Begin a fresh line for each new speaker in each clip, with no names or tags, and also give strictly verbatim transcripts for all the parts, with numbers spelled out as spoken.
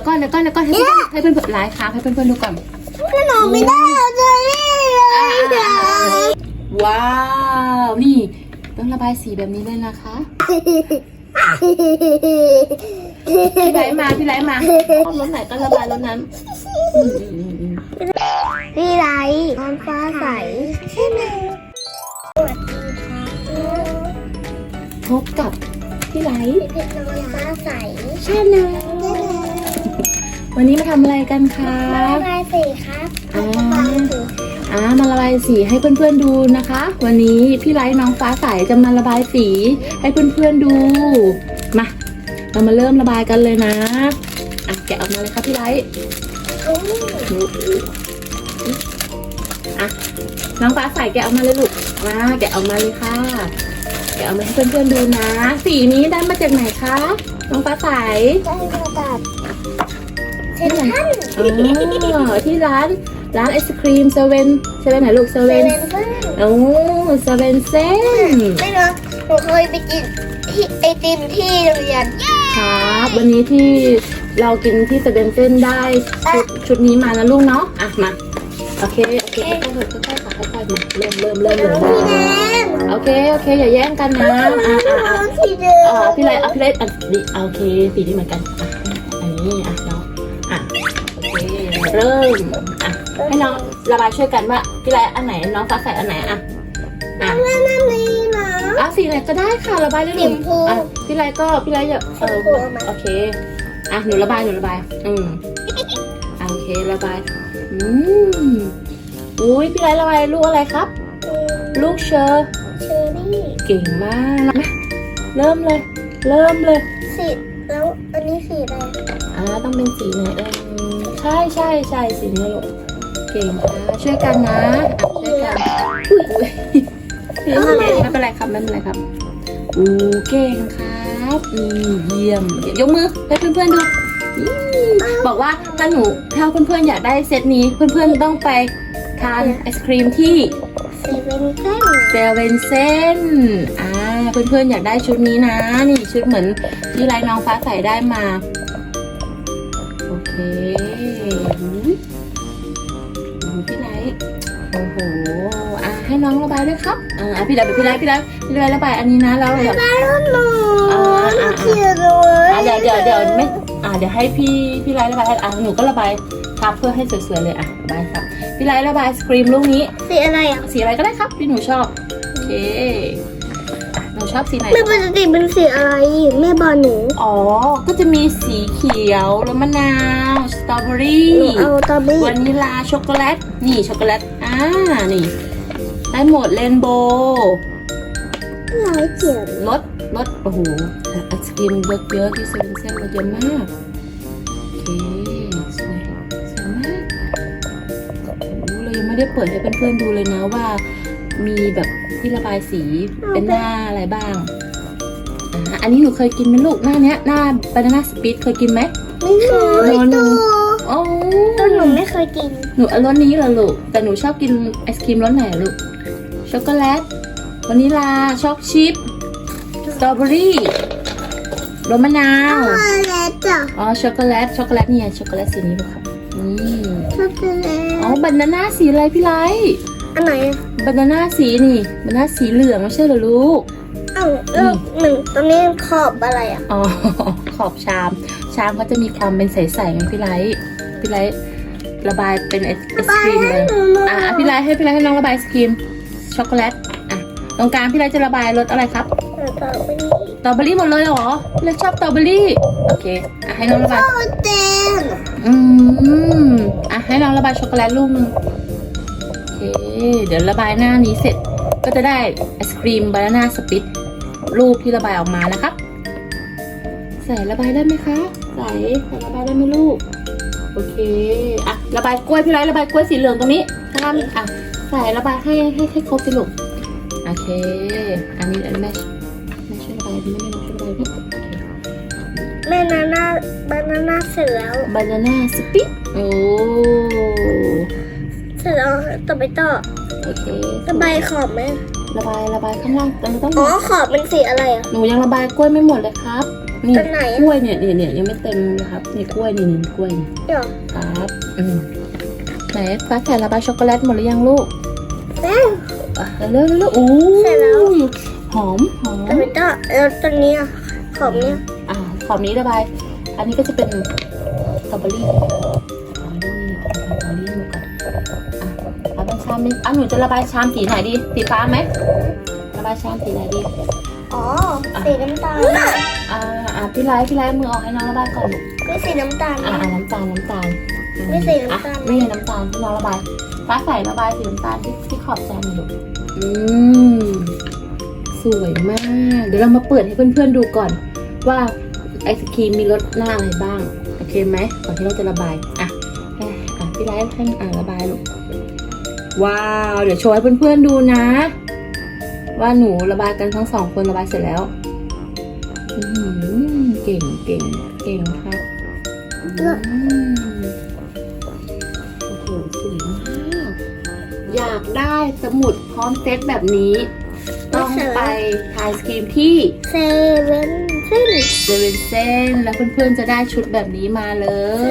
ก่อนเดี๋ยวก่อนเดี๋ยวก่อนให้เพื่อนให้เพื่อนไลฟ์ค้างให้เพื่อนๆดูก่อน
ขนมไม่ได้เลยเดี๋ยว
ว้าวนี่ต้องระบายสีแบบนี้เลยนะคะพี่ไลฟ์มาพี่ไลฟ์มาชอบรถไหนก็ระบายรถนั้น
พี่ไรน้ำฟ้าใสใช่ไหมสวัสดีค่ะ
พบกับพี่ไลฟ์
เพชรน้ำฟ้าใส
ชาแนลวันนี้มาทำอะไรกันคะ
มาระบายสีครับระบายสี
อ่ามาระบายสีให้เพื่อนๆดูนะคะ วันนี้พี่ไลฟ์น้องฟ้าใสจะมาระบายสีให้เพื่อนๆดูมาเรามาเริ่มระบายกันเลยนะอ่ะแกะออกมาเลยครับพี่ไลฟ์อ่ะน้องฟ้าใสแกะออกมาเลยลูกมาแกะออกมาเลยค่ะแกะออกมาให้เพื่อนๆดูนะสีนี้ได้มาจากไหนคะน้องฟ้าใส
ได้มาจากเซนทรัล
อ๋อที่ร้านร้านไอศครีมเซเว่นเซเว่นไหนลูกเซ
เซ
เว่น
เว่นเพื่อน
โอ้เซเว่นเซน
ไม่เนาะหนูเคยไปกินที่ไอติมที่โรงเรียน
ครับวันนี้ที่เรากินที่เซเว่นเซนได้ชุดชุดนี้มานะลูกเนาะอ่ะมาโอเคโอเคค่อยๆค่อยๆค่ะค่อยๆมาเริ่มเริ่มเริ่มเลย
สีแดง
โอเคโอเคอย่าแย่งกันนะอ่ะอ่ะอ่ะ
สีแดง
อ่ะพี่ไรอ่ะพี่ไรอ่ะดีโอเคสีนี้เหมือนกันอ่ะอันนี้อ่ะเนาะอ่ะโอเคเริ่มอ่ะให้น้องระบายช่วยกันว่าพี่ไรอันไหนน้องฟ้าใสอันไหนอ่ะอ่ะ
แม่นั่นนี่นะ
อ่ะสีไหนก็ได้ค่ะระบายเลยหนู
สีชมพู
อ่ะพี่ไรก็พี่ไรอย่าเออ
ชมพูเอามา
โอเคอ่ะหนูระบายหนูระบายอืมอ่ะโอเคระบายอืมอุ้ยพี่ไรระบายลูกอะไรครับ ลูกเชอร์
เชอร์รี่
เก่งมากมาเริ่มเลย เริ่มเลย
สีแล้วอันนี้สีอะไร
อ่าต้องเป็นสีไหนเออใช่ใช่ใช่สีนี้ลูกเก่งค่ะช่วยกันนะอ่ะช่วยกันอุ้ยอุ้ยไม่เป็นไรครับไม่เป็นไรครับอู้เก่งครับอืมเยี่ยมยกมือให้เพื่อนๆดูอืมบอกว่าถ้าหนูถ้าเพื่อนๆอยากได้เซตนี้เพื่อนๆต้องไปทานไอศครีมที่
เซเว่นเส้น
เซเว่นเซนอ่าเพื่อนๆอยากได้ชุดนี้นะ นี่ชุดเหมือนที่ไรน้องฟ้าใสได้มา โอเคอุ๊ยดูพี่ไรโอ้โห อ่ะให้น้องระบายด้วยครับ อ่าพี่ไรพี่ไรพี่ไรพี่ไรระบายอันนี้นะแล้วเดี๋ยว
บ้านหนู
อ่าอ่า
เขียนเลย
อ่าเดี๋ยวเดี๋ยวเดี๋ยวไม่อ่าเดี๋ยวให้พี่พี่ไรระบายอ่ะหนูก็ระบายทับเพื่อให้สวยๆเลยอ่ะระบายครับพี่ไรระบายสครีมลูกนี้
สีอะไรอ่ะ
สีอะไรก็ได้ครับที่หนูชอบ โอเคหนูชอบสีไหน
แม่ปกติเป็นสีอะไรแม่บอกหนู
อ๋อ ก็จะมีสีเขียวแล้วมะนาว สตรอเบอรี่
หนูเอาตอบี้
วานิลา ช็อกโกแลต นี่ช็อกโกแลต อ่า นี่ ได้หมดเรนโบว์
หลายเขียน
รสรสโอ้โหไอศกรีมเยอะเยอะที่เซเว่นเซนเยอะมาก โอเค สวย สวยมากโอ้โหเรายังไม่ได้เปิดให้เพื่อนๆดูเลยนะว่า มีแบบที่ระบายสีเป็นหน้าอะไรบ้าง อ่า อันนี้หนูเคยกินไหมลูกหน้าเนี้ยหน้าบานาน่าสปีดเคยกินไหม
ไม่เคย
หนู
ดู
โอ้
ตัวหนูไม่เคยกิน
หนูเอารสนี้เหรอลูก แต่หนูชอบกินไอศครีมรสไหนลูก ช็อกโกแลต วานิลา ช็อกชิพ สตรอเบอรี่รสมะนาว
ช็อกโกแลตจ้ะ
อ๋อ ช็อกโกแลต ช็อกโกแลตนี่ไงช็อกโกแลตสีนี้ลูกครับนี่
ช็อกโกแล
อ๋อ
ต
บานาน่าสีอะไรพี่ไลท์
อันไหน
บานาน่าสีนี่บานาน่าสีเหลืองไม่ใช่เหรอลูก
อ้าวแล้วหนึ่งตรงนี้ขอบอะไรอ่ะ
อ๋อ ขอบชาม ชามเขาจะมีความเป็นใสๆไงพี่ไลท์พี่ไลท์ระบายเป็นไอศครีมเลย อ่ะพี่ไลท์ให้พี่ไลท์ให้น้องระบายไอศครีมช็อกโกแลต อ่ะ ตรงกลางพี่ไลท์จะระบายรสอะไรครับ
ต่อไปนี้
สตรอเบอรี่หมดเลยเหรอพี่ไลท์ชอบสตรอเบอรี่ โอเค อ่ะให้น้องระบาย
โอ้เต็ม
อืม อ่ะให้น้องระบายช็อกโกแลตลูกนึงโอเค เดี๋ยวระบายหน้านี้เสร็จ ก็จะได้ไอศครีมบานาน่าสปิตรูปที่ระบายออกมานะครับ ใส่ระบายได้ไหมคะใส่ใส่ระบายได้ไหมลูก โอเค อ่ะระบายกล้วยพี่ไรระบายกล้วยสีเหลืองตรงนี้ข้างอ่ะใส่ระบายให้ให้ให้ครบสิลูกโอเค อันนี้อันนี้แม่แม่ช่วยระบายอันนี้ไม่ไม่ช่วยระบายพี่โอเค
แม่นาน่าบานาน่าเสร็จแล้ว
บานาน่าสปิตโอ้
เสร็จแล้วต่อไปต่อ
โอเค
ระบายขอบไหม
ระบายระบายข้างล่างแต่เราต้อง
อ๋อขอบเป็นสีอะไรอ่ะ
หนูยังระบายกล้วยไม่หมดเลยครับ หนี่
ต้นไหน
กล้วยเนี่ยเนี่ยเนี่ยยังไม่เต็มนะครับนี่กล้วยนี่นี่กล้วยนี่
เดี๋ยว
ครับอืมไหนฟ้าใส่ระบายช็อกโกแลตหมดหรือยังลูก
แล้ว
อ่ะเร็วเร็วเร็วโอ้
ใส่แล้ว
หอมหอม
แต่ไม่ต้องแล้วตอนนี้อ่ะของเนี้ย
อ่าขอบนี้ระบาย อันนี้ก็จะเป็นสตรอเบอรี่สตรอเบอรี่สตรอเบอรี่มาก่อนอ่ะเอาเป็นชามนี้อ่ะหนูจะระบายชามสีไหนดีสีฟ้าไหมระบายชามสีไหนดี
อ๋อสีน้ำตาล
อ่าอ่าพี่ไลท์พี่ไลท์มือออกให้น้องระบายก่อนลูก
ไม่สีน้ำตาล
อ่า
นะ
อ่าน้ำตาลน้ำตาลอื
ไม่ใส่น้ำตาล
อ่ะไม่ใช่น้ำตาลที่น้องระบายฟ้าใส่ระบายสีน้ำตาลที่ที่ขอบจานหน่อยลูกอืมสวยมาก เดี๋ยวเรามาเปิดให้เพื่อนๆดูก่อน ว่าไอศครีมมีรสหน้าอะไรบ้างโอเคไหมก่อนที่เราจะระบายอ่ะอ่ะอ่ะพี่ไลท์ให้อ่าระบายลูกว้าวเดี๋ยวโชว์ให้เพื่อนๆดูนะ ว่าหนูระบายกันทั้งสองคนระบายเสร็จแล้วอืมเก่งเก่งเก่งครับอืมโอ้โหสวยมากอยากได้สมุดพร้อมเซตแบบนี้ ต้องไปทายสกรีมที่
เซเว่นซึ่ง
เซเว่นเซนแล้วเพื่อนๆจะได้ชุดแบบนี้มาเลย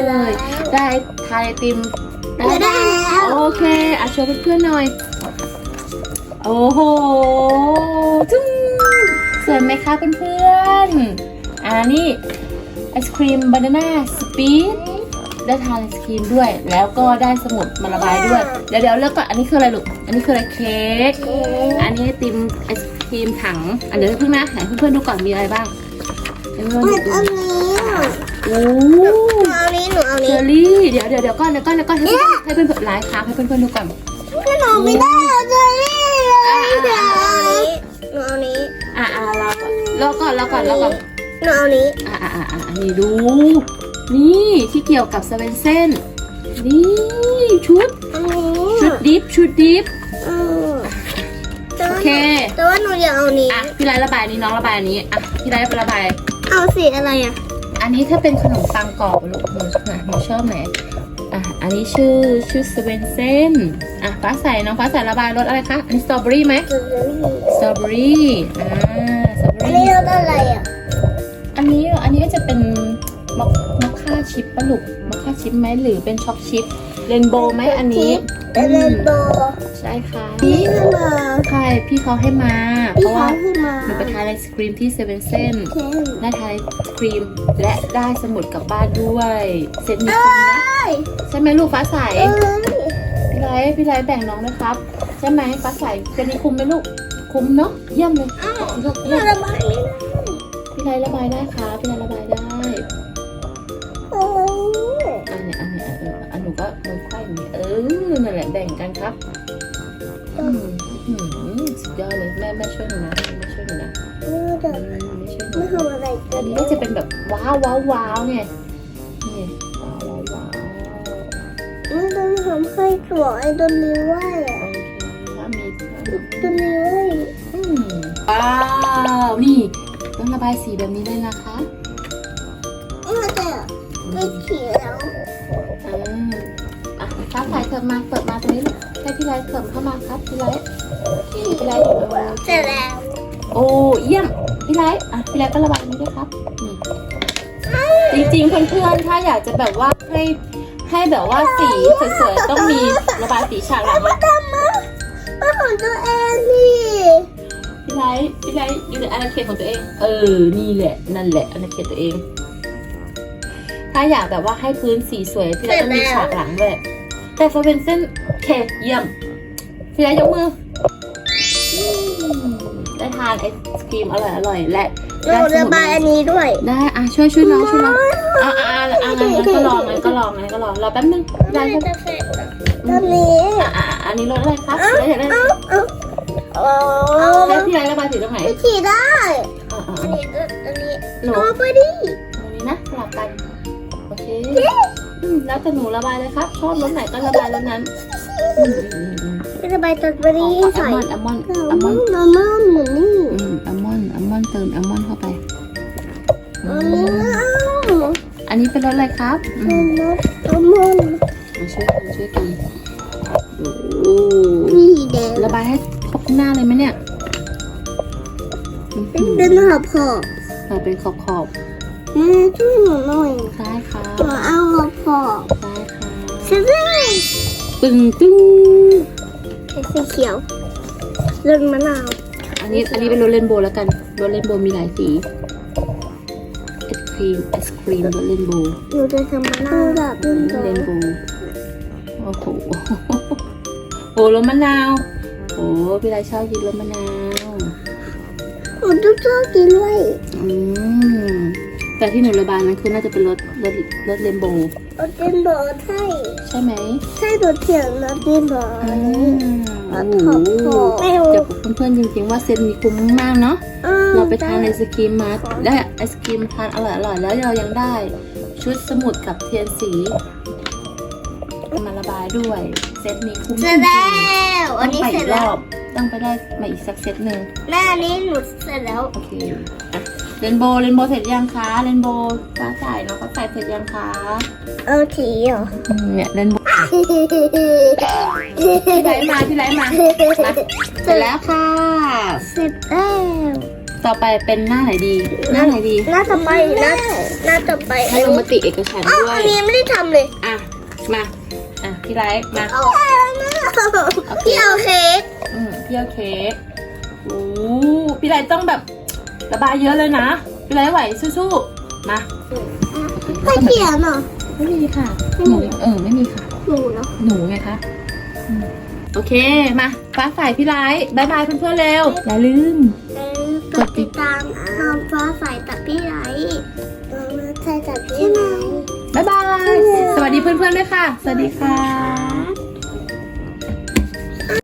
ได้ทายไอติมได้
ได้แล้ว
โอเคอ่ะโชว์เพื่อนๆหน่อย โอ้โหจุ้งสวยไหมคะเพื่อนๆอ่านี่ไอศครีมบานาน่าสปีดได้ทานไอศครีมด้วย แล้วก็ได้สมุดมาระบายด้วย เดี๋ยวเดี๋ยวเลือกก่อนอันนี้คืออะไรลูกอันนี้คืออะไรเค้ก อันนี้ไอติมไอศครีมถังอันเดี๋ยวเพิ่งนะให้เพื่อนๆดูก่อนมีอะไรบ้างให้เพื่อนๆ
อั
ดู
นนี้อ่ะ
โอ้
หนูเอานี้หนูเอา
เช
นี้
อรี่เดี๋ยวเดี๋ยวเดี๋ยวก่อนเดี๋ยวก่อนเดี๋ยวก่อนให้เพื่อนๆให้เพื่อนๆไลฟ์ครับให้เพื่อนๆดูก่อน
ก็หนูไม่ได้เอาเจอรี่เลยเดี๋ยวหนูเอานี้
อ่าอ่าเราก่อนรอก่อนรอก่อนรอก่อน
หนูเอานี้
อ่าอ่าอ่าอันนี้ดู นี่ที่เกี่ยวกับสเวนเซนนี่ชุด
อันนี้
ชุดดิฟชุดดิฟ
เออแต่
โอ
ว่า
เค
แต่ว่าหนูอยากเอานี้
อ่ะพี่ไลท์ระบายอันนี้น้องระบายอันนี้อ่ะพี่ไลท์ระบาย
เอาสีอะไรอ่ะ
อันนี้ถ้าเป็นขนมปังกรอบลูกหนูอ่ะหนูชอบไหนอ่ะอันนี้ชื่อชื่อสเวนเซนอ่ะฟ้าใสน้องฟ้าใสระบายรสอะไรคะอันนี้สตรอเบอรี่ไหม
เจอรี่
สตรอเบอรี่อ่าสตรอเบอ
อัน
รี่
นี้รสอะไรอ่ะ
อันนี้อันนี้ก็จะเป็นมอคมอคค่าชิปปะลูกมอคค่าชิปไหมหรือเป็นช็อกชิปเรนโบว์ไหมอันนี้
เป็นเรนโบว์
ใช่ค่ะ
นี่ขึ้นมา
ใช่พี่เขาให้มา เพ
พี่
ราะ
เขา
ว่า
ขึ้นมา
หนูไปทานไอศครีมที่เซเว่นเซน
เช่น
ได้ทานไอศครีมและได้สมุดกลับบ้านด้วยเซตนี้คุ้มนะใช่ไหมลูกฟ้าใส
เอ้ย
พี่ไรพี่ไรแบ่งน้องนะครับใช่ไหมฟ้าใสเซตนี้คุ้มไหมลูกคุ้มเนาะเยี่ยมเลย
อ้าว
ลูก
หนู
เยี่ยม
ระบายไม่ได้
พี่ไรระบายได้ค่ะพี่ไรระบายได้
โอ้ย
อันเนี้ยอันเนี้ยเอออันหนูก็มือไขว้อย่างนี้เออนั่นแหละแบ่งกันครับอืมอืมสุดยอดเลยแม่แม่ช่วยหนูนะแม่ช่วยหนูนะ
เออเดี๋ยว
อืมไม่ช่วยหนู
ไม่ทำอะไรกั
อั
น
นนี้ก็จะเป็นแบบว้าวว้าวว้าวไงนี่ว้าวว้าวว้าว
ไม่ต้องทำให้ตัวไอ้ตัวนี้ไหวอ่ะ
โอเคถ้ามีถ้ามี
ตัวนี้ไหว
อืมว้าวนี่ต้องระบายสีแบบนี้เลยนะคะ
มันจะไม่เขียว
อ่าอ่ะฟ้าใสเถิบมาเปิดมาตรงนี้ลูกให้พี่ไลท์เถิบเข้ามาครับพี่ไลท์โอเคพี่ไลท์
เสร็จแล้ว
โอ้เยี่ยมพี่ไลท์อ่ะพี่ไลท์ก็ระบายนี้ด้วยครับนี่จริงๆเพื่อนๆถ้าอยากจะแบบว่าให้ให้แบบว่าสีสวยๆต้องมีระบายสีฉากหลังนะ
ทำมามาของตัวเองนี่
พี่ไลท์พี่ไลท์อยู่ในอาณาเขตของตัวเอง เออ นี่แหละ นั่นแหละอาณาเขตตัวเอง ถ้าอยากแบบว่าให้พื้นสีสวยพี่ไลท์ต้องมีฉากหลังด้วย แต่พอเป็นเส้นเคเยี่ยม พี่ไลท์ยกมืออืมได้ทานไอศครีมอร่อยอร่อยๆและ
หนูระบายอันนี้ด้วย
ได้อ่ะช่วยช่วยน้องช่วยน้องอ่ะอ่ะอ่ะอ่ะงั้นงั้นก็ลองงั้นก็ลองงั้นก็ลองรอแป๊บนึงพี่ไล
ไม่
ท์
จะเสร็จตอนนี้
อ่ะอ่ะอ่ะอันนี้รสอะไรครับพี่ไลท์อยากได้
เอาเอาโอ้
แล้วพี่ไลท์ระบายสีตรงไหน
ไม่ขี่ได้
อ่ะอ่ะ
อันนี้อันนี้
หนู
เอาไปดิ
ตรงนี้นะสลับกัน โอเคอืมแล้วแต่หนูระบายเลยครับ ชอบรสไหนก็ระบายรสนั้นอืมอืมอืม
ไม่ระบายตอนไปดิ
อืม
ใส่
อัลมอนด์อัลมอนด์
อั
อั
ล
ล
ม
ม
อ
อน นด์
ด์อัลมอนด์เหมือนนี่
อืมอัลมอนด์อัลมอนด์เติมอัลมอนด์เข้าไปอื
อันนี้
ม
เอา
อันนี้เป็นรสอะไรครับอื
อัล
ม
มอนด์อัลมอนด์
มาช่วยกันช่วยกันโอ้
นี่แดง
ระบายให้ครบหน้าเลยไหมเนี่ยอืม
เป็นหอบหอบ
เราเป็นขอบขอบ
แม่ช่วยหนูหน่อย
ใช่ค่ะ
หนูเอาหัวพอ
ใช่ค่ะ
ใช่ไหม
ตึงตึง
สีเขียวรสมะนาว
อันนี้อันนี้เป็นรสเรนโบว์แล้วกันรสเรนโบว์มีหลายสีไอศครีมไอศครีมรสเรนโบว์
หนูจะทำมะนาวแบบนี้
เรนโบว์โอ้โหโอ้รสมะนาวโอ้พี่ไรชอบกินรสมะนาว
หนูต้องชอบกินด้วย
อืมแต่ที่หนูระบายนั้นคือน่าจะเป็นรสรสรสเรนโบว์
รสเต็มบอใช่
ใช่ไหม
ใช่รสเขียวรสเต็มบอ
อ่า
อัน
โอ้
นี้
โห
ไม่รู้
จะบอกเพื่อนๆจริงๆว่าเซตนี้คุ้มมากเนาะเราไปทานไอศครีมมาได้ไอศครีมทานอร่อยๆแล้วเรายังได้ชุดสมุดกับเทียนสีมาระบายด้วย เซตนี้คุ้มจ
เส
ริ
ร็จ
ง
แล้ว
ๆ
อันนี้
ต้องไป
เสร็
อี
จ
กร
แล้
อ
ว
บต้องไปได้มาอีกสักเซตหนึ่ง
แม่อันนี้หนูเสร็จแล้ว
โอเคอ่ะเรนโบว์เรนโบว์เสร็จยังคะเรนโบว์ฟ้าใสน้องฟ้าใสเสร็จยังคะ
เอาสีเหรอ
อืมเนี่ยเรนโบว์พี่ไลท์มาพี่ไลท์มามาเสร็จแล้วค่ะ
เสร็จแล้ว
ต่อไปเป็นหน้าไหนดี หน้าไหนดี
หน้าต่อไปหน้าหน้าต่อไป
ให้ลงมติเอกฉันท์
อ้าว
ด้ว
อั
ย
นนี้ไม่ได้ทำเลย
อ่ะ มา อ่ะ พี่ไลท์มา
เอาพี่เอาเค้ก
อืมพี่เอาเค้กโอ้พี่ไลท์ต้องแบบระบายเยอะเลยนะ พี่ไลท์ไหวสู้ๆ มา
ไม่เขียนเหรอ
ไม่มีค่ะ หนู เออ ไม่มีค่ะ
หนูเนาะ
หนูไงคะอืมโอเค มา ฟ้าใสพี่ไลท์บายบายเพื่อนๆเร็ว อย่าลืม
กดติดตามน้องฟ้าใสตัดพี่ไหลน้องฟ้าใสตัดพี่ไหล
บายบาย สวัสดีเพื่อนๆด้วยค่ะ สวัสดีค่ะ